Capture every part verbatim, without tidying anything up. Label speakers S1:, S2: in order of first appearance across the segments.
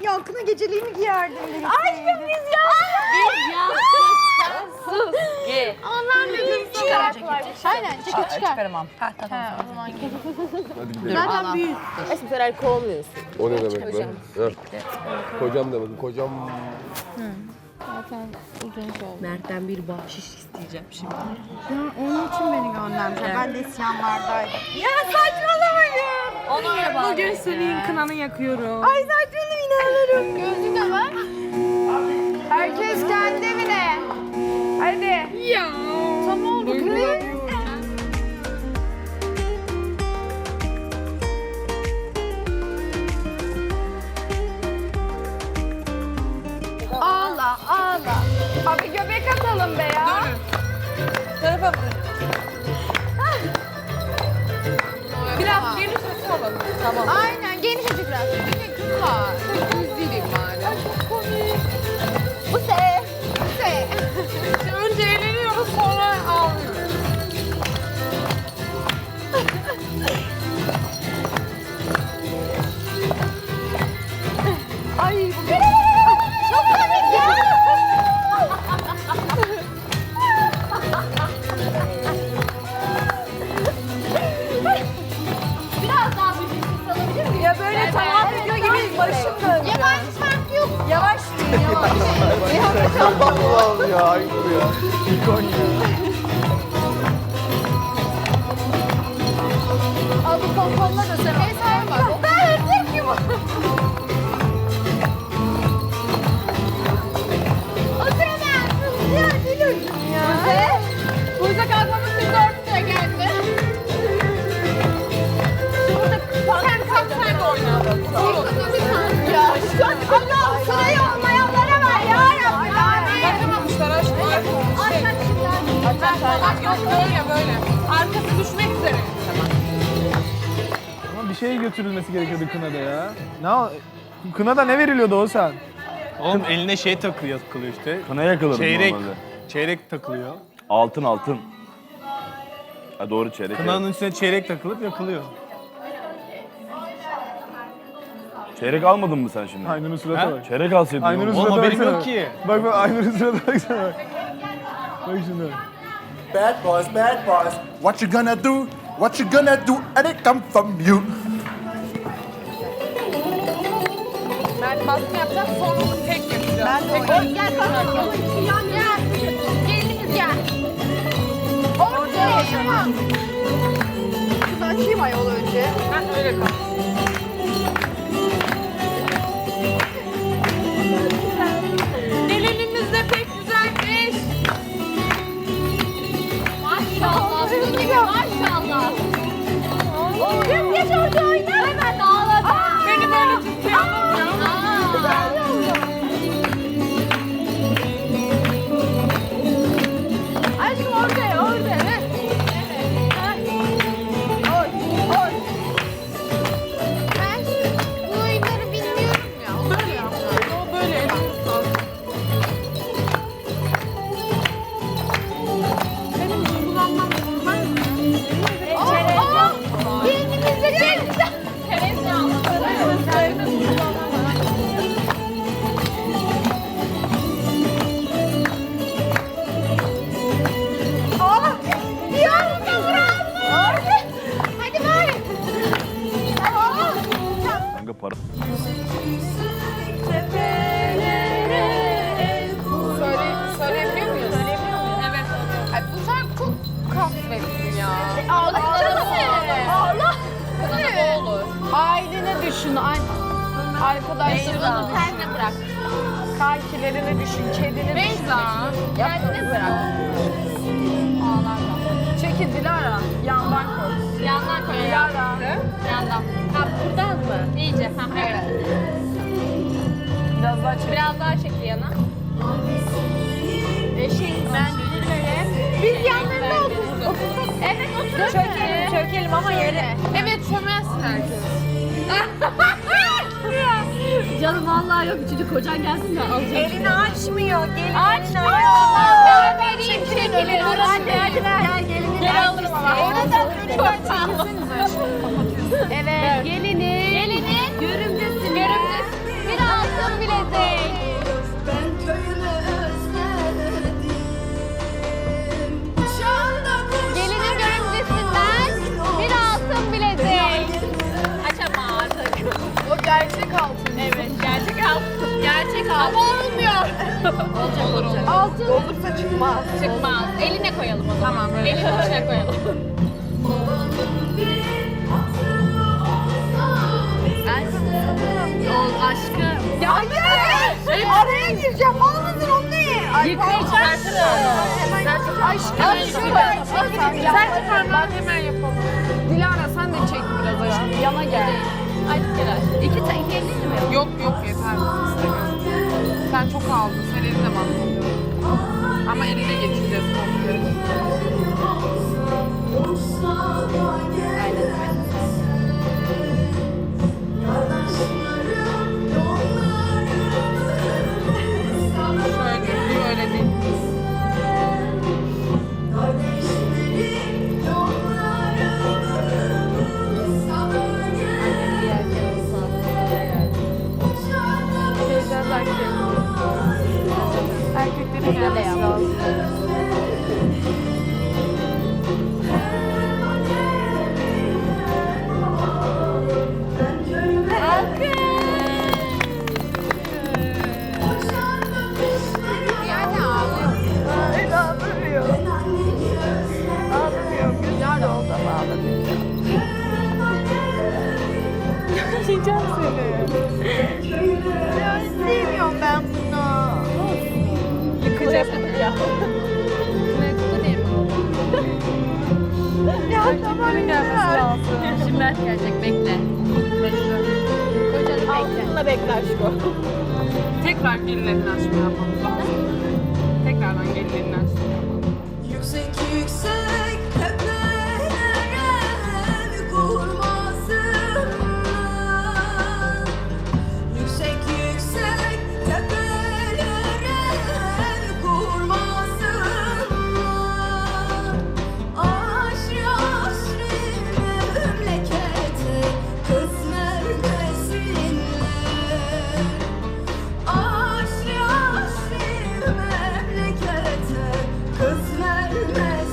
S1: Ya kına geceliği mi giyerdin?
S2: Aşkım biz ya.
S3: Biz ya. Sen sus. Ge.
S2: Onlar da bir çıkaracaklar.
S1: Aynen ceket çıkar.
S4: Çıkaramam.
S1: Ha tamam.
S2: O zaman gel.
S5: Hadi gidelim.
S1: Zaten büyük.
S3: Aşkım sen alkol olmuyorsun.
S5: O ne demek lan? Heh. Kocam da bakın kocam.
S2: Zaten uzun oldu.
S3: Mert'ten bir bahşiş isteyeceğim şimdi.
S1: Ya onun için beni göndermişler. Ben de isyanlardaydım.
S2: Ya saçmalamayın.
S3: Onu öyle bağlı.
S2: Bugün senin kınanı yakıyorum.
S1: Ay saçmalama inanırım.
S2: Gözlük de var.
S1: Herkes kendi evine. Hadi.
S2: Ya.
S1: Tam oldu kız. Ağla ağla. Abi göbek atalım be ya.
S4: Tarafa bak.
S2: Biraz geniş açı alalım.
S4: Tamam.
S1: Aynen geniş açı biraz.
S2: Bir de kız var. Çok üzüleyim bari.
S1: Bu se. Bu se.
S2: İşte önce eğleniyoruz sonra ağlıyoruz.
S1: Ay bu çok komik ya.
S3: Biraz daha bir ses alabilir miyim?
S4: Ya böyle tamam video gibi başım döndü.
S1: Yabancı şarkı yok.
S4: Yavaş yürü yavaş.
S5: Allah'ım ya Aynur ya. İkon ya.
S4: Al bu pomponla da sen.
S1: Mesela bak. Ben hırsız gibi. O sırada ya gülüm ya.
S2: Buyza kalkmamız sizi örtüye geldi. Sen kalk sen de oyna. Olur.
S1: Ya Allah'ım sırayı olmayanlara ver ya Rabbi.
S2: Açamamışlar aşkım. Şey. Aç aç yok böyle böyle. Arkası düşmek üzere.
S6: Ama bir şey götürülmesi gerekiyordu kınada ya. Ne o- Kınada ne veriliyordu o sen?
S7: Oğlum eline şey takılıyor, takılıyor işte.
S8: Kına yakılır
S7: Çeyrek.
S8: normalde.
S7: Çeyrek takılıyor.
S8: Altın altın. Ha doğru çeyrek.
S7: Kınanın
S8: evet.
S7: üstüne çeyrek takılıp yakılıyor.
S8: Çeyrek almadın mı sen şimdi?
S6: Aynur'un surata
S7: Ha?
S6: bak.
S8: Çeyrek alsaydın.
S6: Aynur'un
S8: oğlum.
S7: Oğlum
S6: surata
S7: haberim
S6: baksana.
S7: yok ki.
S6: Bak bak Aynur'un surata baksana bak. Bak şimdi.
S9: Bad boys, bad boys. What you gonna do? What you gonna do? And it come from you.
S2: Mert baskı yapacak sonra tek yapacağız. Ben de
S1: Gel kalkalım. Yan gel. Gelinimiz gel. Ortaya tamam. Şunu açayım ayol önce.
S2: Ben öyle kal. Gelinimiz de pek güzelmiş.
S3: Maşallah. Maşallah.
S1: Geç geç ortaya oyna.
S3: Hemen ağladı.
S2: Beni böyle tutuyor.
S1: Aşkım ortaya ortaya. Evet. Oy oy. Ben bu oyunları bilmiyorum ya. Olur ya.
S2: O böyle elini tutar. Benim duygulanmam normal mi?
S1: Aa, gelinimiz de geldi. Aa, bir anda bravo. Hadi bari. Tamam.
S8: Kanka para.
S2: Söyle, söyleyebiliyor muyuz? Söyleyebiliyor muyuz? Evet. Ay, bu şarkı çok kahvetsin ya.
S1: Ağla. Ağla.
S2: Bana da olur.
S1: Ailene düşün. Arkadaşlarını
S2: Kendine bırak.
S1: kankilerini düşün. Kedini
S2: Beyza.
S1: Kendini bırak. Ağlarla. Çekil Dilara. Yandan koy.
S3: Yandan koy.
S1: Dilara.
S3: Yandan. Ha buradan mı? İyice. Ha evet.
S1: Biraz daha çek.
S3: Biraz daha çek yana.
S1: Eşin ben Dilara'ya. Biz yanlarına otursak.
S3: Evet otur.
S1: Çökelim, çökelim ama yere.
S2: Evet çömezsin herkes.
S3: Canım vallahi yok. Üçüncü kocan gelsin de alacağım.
S1: Elini açmıyor. Gelin
S3: Açmıyor.
S1: açmıyor.
S3: Ben vereyim çekilir. Hadi hadi ver. Gel gelini. Gel alırsın.
S1: Oradan lütfen çekilsenize.
S3: Evet. Gelini. Gelini. Görümcesin. Görümcesin. Bir altı.
S2: Olur olur.
S4: Altın.
S2: Olursa çıkmaz.
S1: Çıkmaz. Eline koyalım o zaman.
S2: Tamam böyle.
S1: Elinin içine koyalım.
S3: O aşkım.
S1: Ya hayır. Araya gireceğim. Olmasın onu değil.
S3: Yıkayacaksın.
S1: Aşkım.
S2: Sen çıkarma hemen yapalım. Dilara sen de çek biraz aşkım. Yana gel.
S3: Ay Dilara. İki tane iki elli mi?
S2: Yok yok yeter. İstemiyorum. Sen çok aldın. Sen eline bak. Ama eline geçeceğiz komple. Şöyle değil, öyle değil. Erkeklerin gelmesi lazım.
S1: Yani ağlıyor. Öyle ağlamıyor. Ağlamıyor. Güzel oldu ama ağlamıyor. Yiyeceğim seni. Ya sevmiyorum ben bunu.
S2: Yıkacağız ya.
S1: Ya tamam
S2: Gelmesi lazım.
S3: Şimdi Mert gelecek bekle. Kocanı bekle.
S1: Altınla bekle aşkım.
S2: Tekrar gelirlerini açma yapmamız lazım. Tekrardan gelirlerini açma yapalım.
S10: Yüksek yüksek tepelere ev kurmasınlar. Yüksek yüksek tepelere ev kurmasınlar. Aşrı aşrı memlekete kız vermesinler. Aşrı aşrı memlekete kız vermesinler.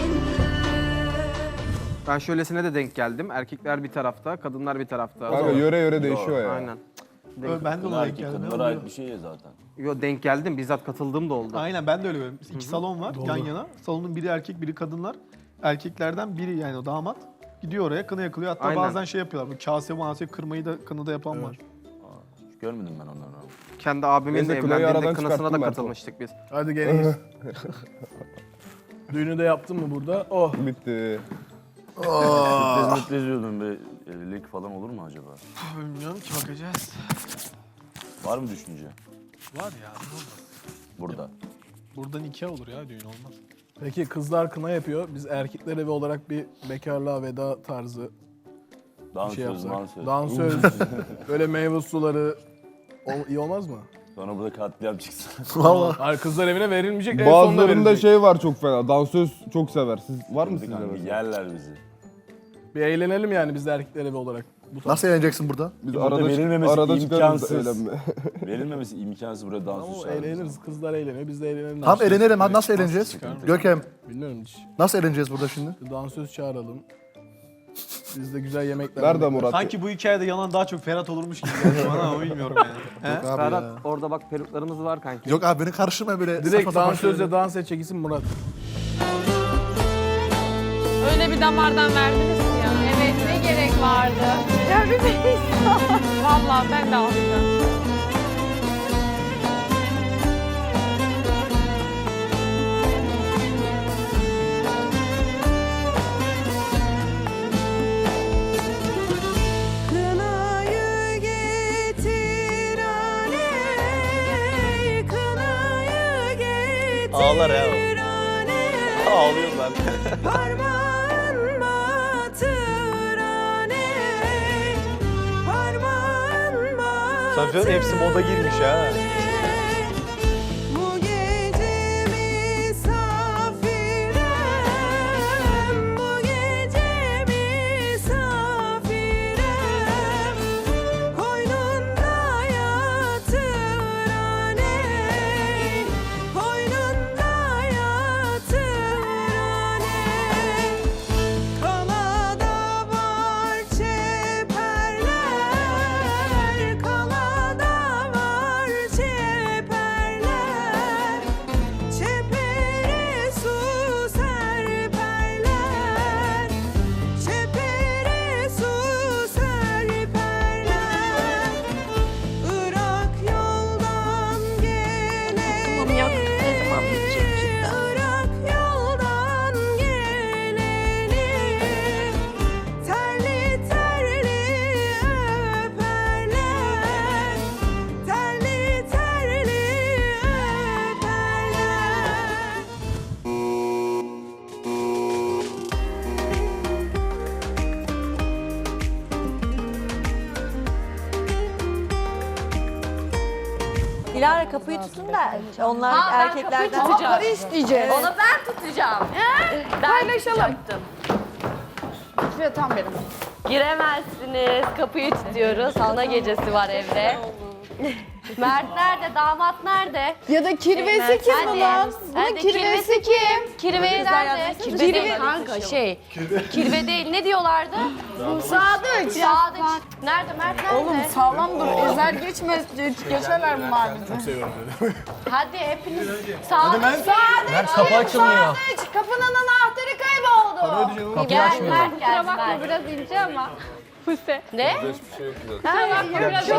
S6: Ben şöylesine de denk geldim. Erkekler bir tarafta, kadınlar bir tarafta.
S5: Kanka yöre yöre değişiyor ya.
S6: Aynen. Denk,
S7: Ben de ona denk geldim.
S8: Kadınlara ait bir şey ya zaten.
S6: yo, denk geldim. Bizzat katıldığım da oldu.
S7: Aynen ben de öyle görüyorum. İki salon var yan yana. Salonun biri erkek, biri kadınlar. Erkeklerden biri yani o damat gidiyor oraya kına yakılıyor. Hatta
S6: Aynen.
S7: bazen şey yapıyorlar. Bu kase mase kırmayı da kınada yapan var.
S8: Hiç görmedim ben onları.
S6: Kendi abimin
S5: Ben de kınayı
S6: evlendiğinde
S5: aradan
S6: kınasına da
S5: çıkarttım ben.
S6: katılmıştık biz.
S11: Hadi geleyiz. Düğünü de yaptın mı burada? Oh.
S5: Bitti.
S8: Sürpriz müpriz diyordum bir evlilik falan olur mu acaba?
S7: Bilmiyorum ki bakacağız.
S8: Var mı düşünce?
S7: Var ya ne olmaz.
S8: Burada.
S7: Burada nikah olur ya düğün olmaz.
S11: Peki kızlar kına yapıyor. Biz erkekler evi olarak bir bekarlığa veda tarzı bir
S8: Dansöz,
S11: şey yapsak.
S8: mansöz.
S11: Dansöz, böyle meyve suları. O, iyi olmaz mı?
S8: Sonra burada katliam çıksın.
S11: Vallahi. Hayır, kızlar evine verilmeyecek, en sonunda
S5: Bazılarında
S11: verilecek.
S5: şey var çok fena. Dansöz çok sever. Siz var mı sizde
S8: Kanka
S5: mesela?
S8: yerler bizi.
S11: Bir eğlenelim yani biz de erkekler evi olarak. Bu tarz.
S9: Nasıl eğleneceksin burada?
S5: Biz
S8: Burada
S5: arada,
S8: verilmemesi
S5: arada çıkarız
S8: imkansız.
S5: eğlenme.
S8: Verilmemesi imkansız buraya
S11: Ama
S8: dansöz
S11: o
S8: çağırırız.
S11: eğleniriz, kızlar eğleniyor, biz de eğlenelim.
S9: Tamam eğlenelim. Hadi nasıl eğleneceğiz?
S8: Sıkıntı.
S9: Görkem
S11: Bilmiyorum hiç.
S9: nasıl eğleneceğiz burada şimdi?
S11: Dansöz çağıralım. Biz de güzel yemekler.
S5: Nerede
S11: yemekler.
S5: Murat?
S7: Sanki bu hikayede yalan daha çok Ferhat olurmuş gibi geldi bana ama bilmiyorum yani. He?
S9: Yok abi
S6: Ferhat
S9: ya.
S6: orada bak peruklarımız var kanki.
S9: Yok abi beni karıştırma böyle.
S11: Direkt
S9: saçma sapan
S11: dansözle
S9: şeyleri.
S11: dans edecek isim Murat.
S2: Öyle bir damardan verdiniz ki ya.
S1: Evet ne gerek vardı? Ya bir de
S2: Vallahi ben de alacağım.
S10: Kınayı getir aley, kınayı getir
S8: Ağlar ya o.
S10: aley.
S8: Ağlıyor ben.
S10: Parmağın batır aley, parmağın batır
S7: Sanki hepsi moda girmiş ha.
S10: aley. Bu gece misafirem, bu gece misafirem, koynunda yatır aley, koynunda yatır aley. Kalada var çeperler, kalada var çeperler,
S4: Dilara kapıyı tutun da onlar erkeklerden
S3: tutacağım.
S4: isteyeceğiz.
S3: Onu ben tutacağım. Ben tutacaktım.
S1: Şuraya tam benim.
S3: Giremezsiniz. Kapıyı tutuyoruz. Ana gecesi var evde. Mert nerede? Damat nerede?
S1: Ya da kirvesi kim
S3: Hadi.
S1: bunun? Bunun
S3: Hadi,
S1: kirvesi kim?
S3: Kirve nerede? Kirve değil kanka şey. Kirve değil. Ne diyorlardı?
S1: Sadıç.
S3: Sadıç. Nerede? Mert nerede?
S1: Oğlum sağlam dur. Ezer geçmez. Geçerler bunlar bizi.
S3: Hadi hepiniz. Sadıç.
S1: Sadıç. Kapı açılmıyor. Sadıç. Kapının anahtarı kayboldu.
S3: Gel Mert gel.
S1: Bakma
S3: Mert.
S1: biraz ince ama.
S3: Ne?
S5: Hiçbir şey yok güzel.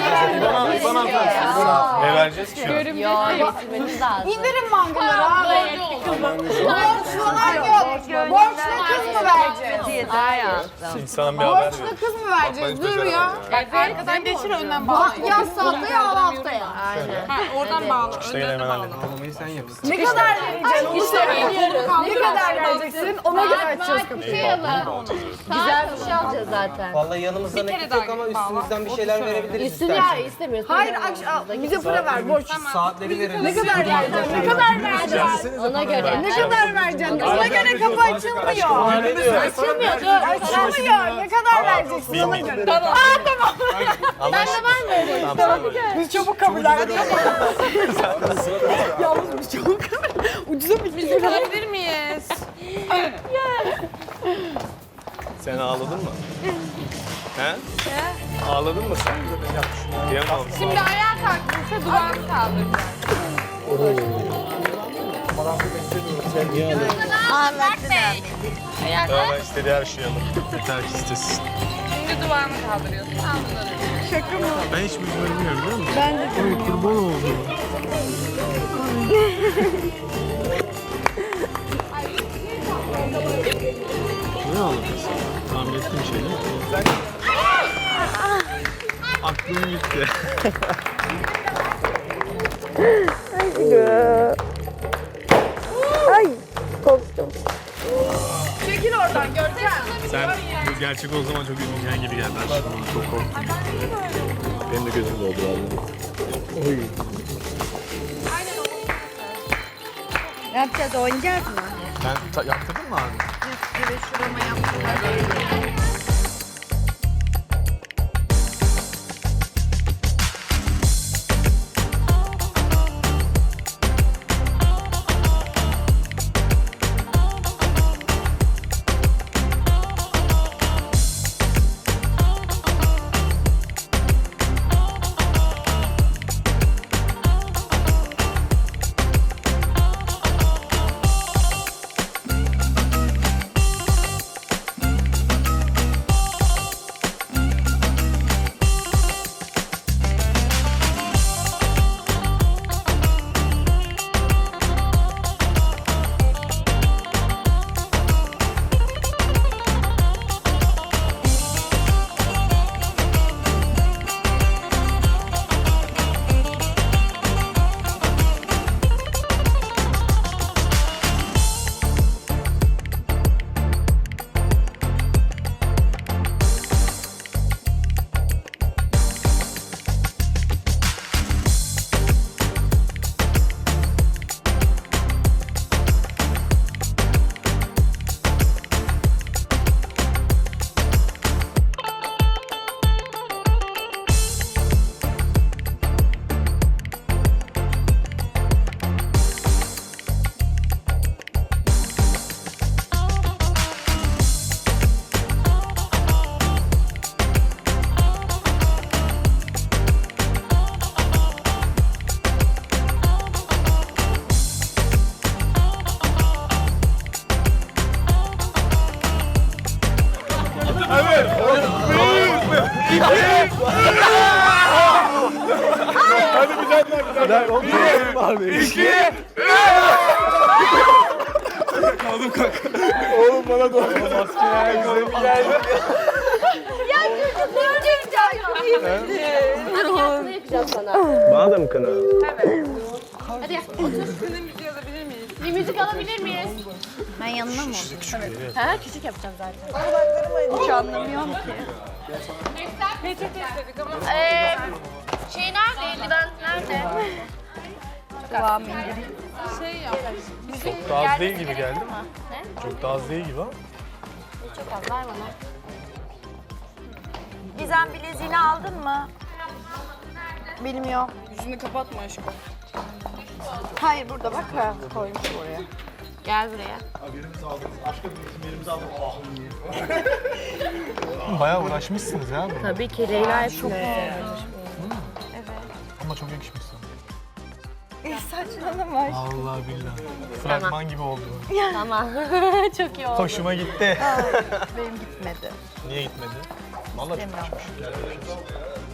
S6: Ne vereceğiz ki?
S3: Yo getirmeniz lazım.
S1: İndirin mangaları abi. Borç falan yok. Borçlu kız mı vereceğiz?
S3: Hayatım.
S6: İnsan bir haber ver.
S1: Borçlu kız mı vereceğiz? Dur ya.
S2: Arkadan geçir önden
S1: Ha,
S2: bağla.
S1: ya haftaya al haftaya.
S3: Aynen.
S2: Ha, oradan bağla. Önden de bağla.
S1: Ne kadar vereceksin? Onu söyle. Ne kadar vereceksin? Ona göre açacağız kapıyı.
S3: Güzel bir şey alacağız zaten.
S12: Vallahi yanımızda
S2: Bir kere
S12: nakit
S2: daha
S12: yok ama
S2: bağla.
S12: üstümüzden bir şeyler verebiliriz
S3: Üstüne
S12: istersen.
S3: istemiyoruz.
S1: Hayır akş- bize para ver borç.
S12: Saatleri veririz.
S1: Ne kadar vereceksin? Ne kadar vereceksin?
S3: Ona göre.
S1: Ne kadar vereceksin? Ona göre kapı açılmıyor.
S3: Açılmıyor dur.
S1: Açılmıyor. Ne kadar vereceksin ona göre? Tamam. Aa tamam. Ben de ben vereyim. Tamam. Biz çabuk kabul ettik. Yalnız biz çabuk ucuza
S2: Müzik alabilir miyiz?
S6: Sen ağladın mı? He? Ağladın mı sen? Kıyamam.
S2: Şimdi ayağa kalktıysa duvağını kaldıracak. Ayağa kalk.
S6: Ben istediği her şeyi alırım. Yeter ki istesin.
S2: Şimdi duvağını kaldırıyorsun. Al bunları.
S6: Ben hiç bilmiyorum biliyor musun? Ben de. Oy kurban oldum. Ne ağladın sen? Tahmin ettiğim şey değil mi? Aklım gitti.
S1: Çekil oradan Görkem.
S6: Sen bu gerçek o zaman çok üzüleceğin gibi geldi aşkım. Çok korktum. Benim de gözüm doldu vallahi. Oy.
S4: Ne yapacağız? Oynayacağız mı?
S6: Sen ta- yaptırdın mı abi?
S1: Evet şurama yaptım.
S6: İki, kaldım kanka. Oğlum bana doğru. Maske güzel mi geldi?
S3: Ya çocuk ne yapacağım? Hadi yapacağım sana.
S6: Bana da mı kına?
S3: Hadi gel. Otur.
S2: Sizin müziği alabilir miyiz?
S3: Bir müzik alabilir miyiz?
S4: Ben yanına mı?
S3: Ha küçük yapacağım zaten.
S4: Hiç anlamıyorum ki.
S2: Peçete istedik ama.
S3: Ee, şey nerede? Eldiven nerede?
S4: Kıvamı indireyim.
S2: Şey yap.
S6: Çok da az değil gibi geldi. Çok da az değil gibi ama.
S3: Çok az ver bana.
S4: Gizem bileziğini aldın mı? Benim yok.
S2: Yüzünü kapatma aşkım.
S4: Hayır burada bak ha, koymuş oraya.
S3: Gel buraya.
S6: Bayağı uğraşmışsınız ya bunu.
S3: Tabii ki Leyla çok
S6: Ama çok yakışmış sana.
S4: Saçmalama.
S6: Allah billah. Fragman gibi oldu.
S3: Tamam. Çok iyi oldu.
S6: Hoşuma gitti.
S4: Benim gitmedi.
S6: Niye gitmedi? Vallahi çok yakışmış.